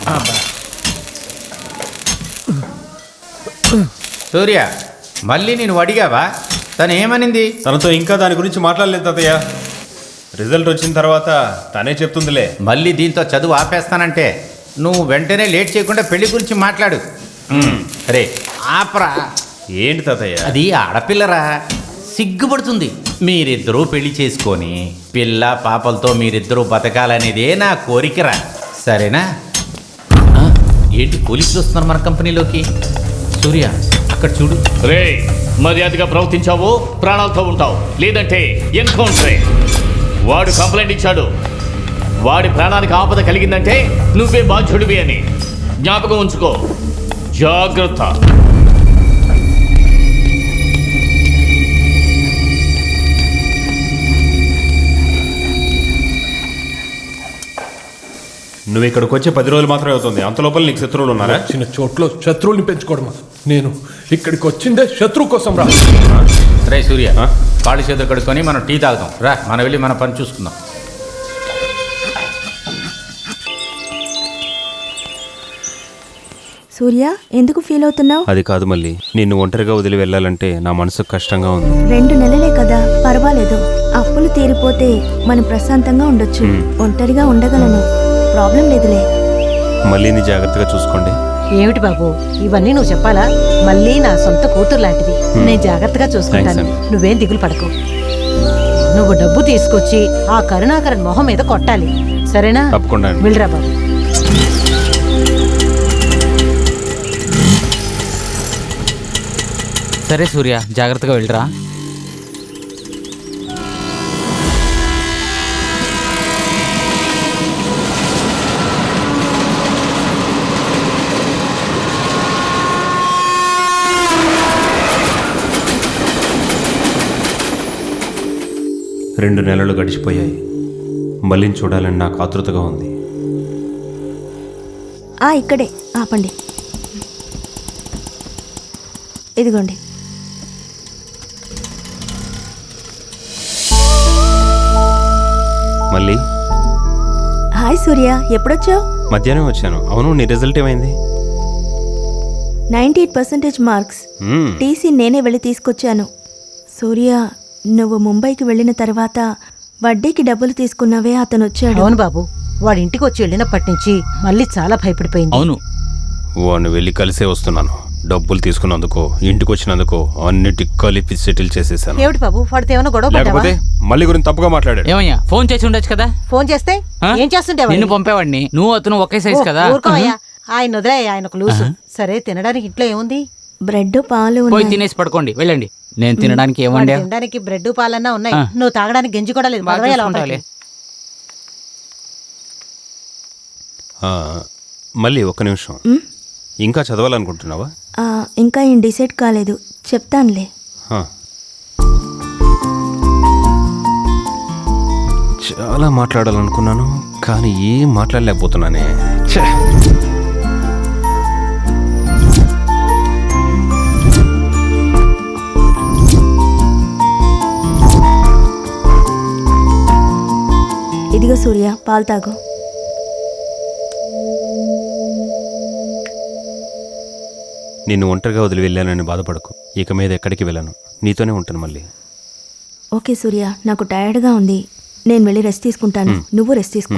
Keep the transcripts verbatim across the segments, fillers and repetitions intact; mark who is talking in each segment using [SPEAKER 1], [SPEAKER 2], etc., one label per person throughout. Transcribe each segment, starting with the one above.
[SPEAKER 1] సూర్య, మళ్ళీ నేను అడిగావా? తను ఏమనింది?
[SPEAKER 2] తనతో ఇంకా దాని గురించి మాట్లాడలేదు తాతయ్య. రిజల్ట్ వచ్చిన తర్వాత తనే చెప్తుందిలే.
[SPEAKER 1] మళ్ళీ దీంతో చదువు ఆపేస్తానంటే నువ్వు వెంటనే లేట్ చేయకుండా పెళ్లి గురించి మాట్లాడు. రే ఆపరా.
[SPEAKER 2] ఏంటి తాతయ్య?
[SPEAKER 1] అది ఆడపిల్లరా, సిగ్గుపడుతుంది. మీరిద్దరూ పెళ్లి చేసుకొని పిల్ల పాపలతో మీరిద్దరూ బతకాలనేదే నా కోరికరా, సరేనా? ఆ, ఏంటి పోలీసులు వస్తున్నారు మన కంపెనీలోకి? సూర్య అక్కడ చూడు.
[SPEAKER 3] రే, మర్యాదగా ప్రవర్తించావు ప్రాణాలతో ఉంటావు, లేదంటే ఎన్కౌంటరే. వాడు కంప్లైంట్ ఇచ్చాడు. వాడి ప్రాణానికి ఆపద కలిగిందంటే నువ్వే బాధ్యుడివి అని జ్ఞాపకం ఉంచుకో. జాగ్రత్త.
[SPEAKER 2] నువ్వు ఇక్కడికి వచ్చి పది రోజులు మాత్రమే అవుతుంది. అంత లోపల నీకు శత్రువులు ఉన్నారా?
[SPEAKER 4] చిన్న చోట్ల శత్రువుల్ని పెంచుకోవడమా? నేను ఇక్కడికి వచ్చిందే శత్రువు కోసం రా.
[SPEAKER 1] రే సూర్య, కాళ్ళు చేతులు కడుక్కొని మనం టీ తాగుతాం రా. మనం వెళ్ళి మన పని చూసుకుందాం.
[SPEAKER 5] సూర్య, ఎందుకు ఫీల్ అవుతున్నావు?
[SPEAKER 2] అది కాదు మళ్ళీ, నిన్ను ఒంటరిగా వదిలి వెళ్ళాలంటే నా మనసుకు కష్టంగా ఉంది.
[SPEAKER 5] రెండు నెలలే కదా, పర్వాలేదు. అప్పులు తీరిపోతే మనం ప్రశాంతంగా ఉండొచ్చు. ఒంటరిగా ఉండగలను, ప్రాబ్లం లేదులే.
[SPEAKER 2] మళ్ళీని జాగ్రత్తగా చూసుకోండి.
[SPEAKER 6] ఏమిటి బాబు ఇవన్నీ నువ్వు చెప్పాలా? మళ్ళీ నా సొంత కూతురు లాంటిది, నేను జాగ్రత్తగా చూసుకుంటాను. నువ్వేం దిగులు పడకు. నువ్వు డబ్బు తీసుకొచ్చి ఆ కరుణాకరన్ మొహం మీద కొట్టాలి, సరేనా?
[SPEAKER 2] తప్పకుండా.
[SPEAKER 6] వెళ్ళరా బాబు.
[SPEAKER 7] సరే సూర్య, జాగ్రత్తగా వెళ్ళరా.
[SPEAKER 2] రెండు నెలలు గడిచిపోయాయి. మళ్ళీని చూడాలని నాకు ఆతృతగా ఉంది.
[SPEAKER 5] ఆ ఇక్కడే ఆపండి. ఇదిగోండి.
[SPEAKER 2] మళ్ళీ
[SPEAKER 5] హాయ్ సూర్య, ఎప్పుడొచ్చావు?
[SPEAKER 2] మధ్యాహ్నం వచ్చాను. అవును, నీ రిజల్ట్ ఏమైంది?
[SPEAKER 5] Ninety eight percentage marks.
[SPEAKER 2] మ్మ్.
[SPEAKER 5] టీసీ నేనే వెళ్ళి తీసుకొచ్చాను. సూర్య, నువ్వు ముంబైకి వెళ్ళిన తర్వాత వడ్డీకి డబ్బులు తీసుకున్నావే, అతను వచ్చాడు.
[SPEAKER 6] అవును బాబు, వాడి ఇంటికి వచ్చి వెళ్ళినప్పటి నుంచి మళ్ళీ చాలా భయపడిపోయింది.
[SPEAKER 7] అవును,
[SPEAKER 2] వాడిని వెళ్ళి కలిసే వస్తున్నాను. డబ్బులు తీసుకున్నందుకో ఇంటికి వచ్చినందుకో అన్నిటి కలిపి సెటిల్ చేసేసాను.
[SPEAKER 6] ఏమిటి బాబు, వాడితో ఏమైనా గొడవ పడ్డావా?
[SPEAKER 2] లేకపోతే మళ్ళీ గురించి తప్పుగా మాట్లాడాడు.
[SPEAKER 7] ఏమయ్యా, ఫోన్ చేసి ఉండొచ్చు కదా.
[SPEAKER 6] ఫోన్ చేస్తే
[SPEAKER 7] ఆ?
[SPEAKER 6] ఏం చేస్తుంటే
[SPEAKER 7] నిన్ను పంపేవాడిని, నువ్వు అతను ఒకే సైజ్ కదా.
[SPEAKER 6] ఊరుకోవయ్యా, ఆయన వదిలే, ఆయనకు లూసు. సరే, తినడానికి ఇంట్లో ఏముంది?
[SPEAKER 5] బ్రెడ్ పాలు
[SPEAKER 7] పోయి
[SPEAKER 5] ఉన్నాయి.
[SPEAKER 7] తినేసి పడుకోండి, వెళ్ళండి. నేను తినడానికి ఏమండి?
[SPEAKER 6] వాడు తినడానికి బ్రెడ్ పాలన్నా ఉన్నాయి,
[SPEAKER 7] ఆ.
[SPEAKER 6] నువ్వు తాగడానికి గంజి కూడా లేదు. పదవయ్యా లోపలికి.
[SPEAKER 2] ఆ, మళ్ళీ ఒక్క నిమిషం.
[SPEAKER 5] మ్?
[SPEAKER 2] ఇంకా చదవాలనుకుంటున్నావా?
[SPEAKER 5] ఆ, ఇంకా ఏం డిసైడ్ కాలేదు, చెప్తానులే.
[SPEAKER 2] ఆ. చాలా మాట్లాడాలనుకున్నాను, కానీ ఏం మాట్లాడలేకపోతున్నానే. ఛే!
[SPEAKER 5] ఇదిగో సూర్య, పాలు తాగు.
[SPEAKER 2] నిన్ను ఒంటరిగా వదిలి వెళ్ళానని బాధపడకు. ఇక మీద ఎక్కడికి వెళ్ళను, నీతోనే ఉంటాను మళ్ళీ.
[SPEAKER 5] ఓకే సూర్య, నాకు టైర్డ్గా ఉంది, నేను వెళ్ళి రెస్ట్ తీసుకుంటాను. నువ్వు రెస్ట్ తీసుకో.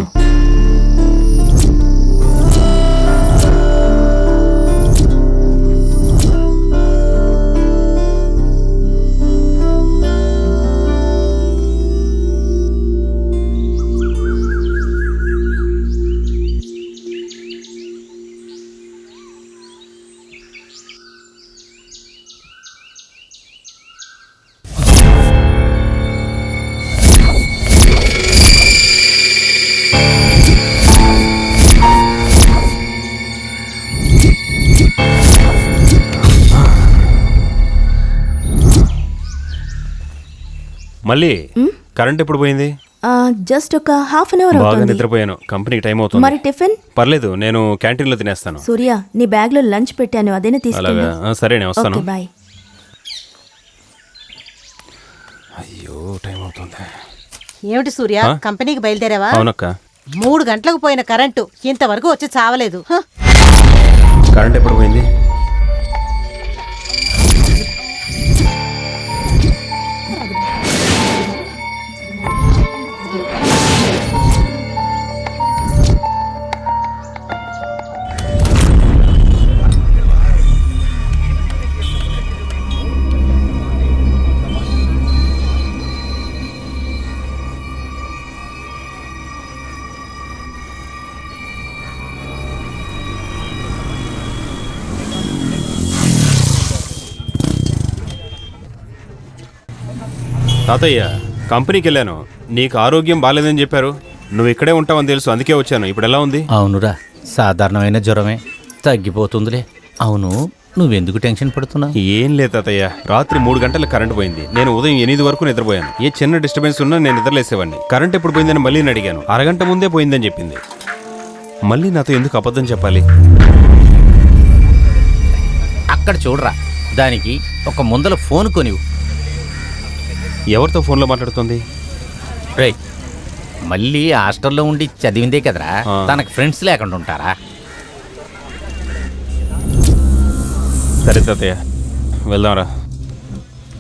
[SPEAKER 2] మళ్ళీ కరెంట్ ఎప్పుడు పోయింది?
[SPEAKER 5] జస్ట్ ఒక హాఫ్ అన్ అవర్
[SPEAKER 2] బాగా
[SPEAKER 5] అవుతుంది.
[SPEAKER 2] నిద్రపోయాను, కంపెనీకి టైం అవుతుంది.
[SPEAKER 5] మరి టిఫిన్?
[SPEAKER 2] పర్లేదు, నేను క్యాంటీన్ లో తినేస్తాను.
[SPEAKER 5] సూర్య, నీ బ్యాగ్ లో లంచ్ పెట్టాను, అదేనే తీసుకెళ్ళు.
[SPEAKER 2] అలాగా, ఆ, సరే నేను వస్తాను.
[SPEAKER 5] Okay, bye.
[SPEAKER 2] అయ్యో, టైం అవుతుంది.
[SPEAKER 6] ఏమిటి సూర్య,
[SPEAKER 2] ఆ?
[SPEAKER 6] కంపెనీకి బయలుదేరావా?
[SPEAKER 2] అవునక్క.
[SPEAKER 6] మూడు గంటలకు పోయిన కరెంటు ఇంతవరకు వచ్చి చావలేదు హ!
[SPEAKER 2] కరెంట్ ఎప్పుడు పోయింది? తాతయ్య, కంపెనీకి వెళ్ళాను. నీకు ఆరోగ్యం బాగాలేదని చెప్పారు. నువ్వు ఇక్కడే ఉంటావని తెలుసు, అందుకే వచ్చాను. ఇప్పుడు ఎలా ఉంది?
[SPEAKER 1] అవునురా, సాధారణమైన జ్వరమే, తగ్గిపోతుందిలే. అవును, నువ్వెందుకు టెన్షన్ పడుతున్నావు?
[SPEAKER 2] ఏం లేదు తాతయ్య, రాత్రి మూడు గంటలకు కరెంట్ పోయింది. నేను ఉదయం ఎనిమిది వరకు నిద్రపోయాను. ఏ చిన్న డిస్టర్బెన్స్ ఉన్నా నేను నిద్రలేసేవాడిని. కరెంట్ ఎప్పుడు పోయిందని మళ్ళీ అడిగాను. అరగంట ముందే పోయిందని చెప్పింది. మళ్ళీ నాతో ఎందుకు అబద్ధం చెప్పాలి?
[SPEAKER 1] అక్కడ చూడరా, దానికి ఒక ముందల ఫోన్ కొనివు.
[SPEAKER 2] ఎవరితో ఫోన్లో మాట్లాడుతుంది?
[SPEAKER 1] రేయ్, మళ్ళీ హాస్టల్లో ఉండి చదివిందే కదరా,
[SPEAKER 2] ఆ.
[SPEAKER 1] తనకు ఫ్రెండ్స్ లేకుండా ఉంటారా?
[SPEAKER 2] సరే తాతయ్య, వెళ్దాంరా.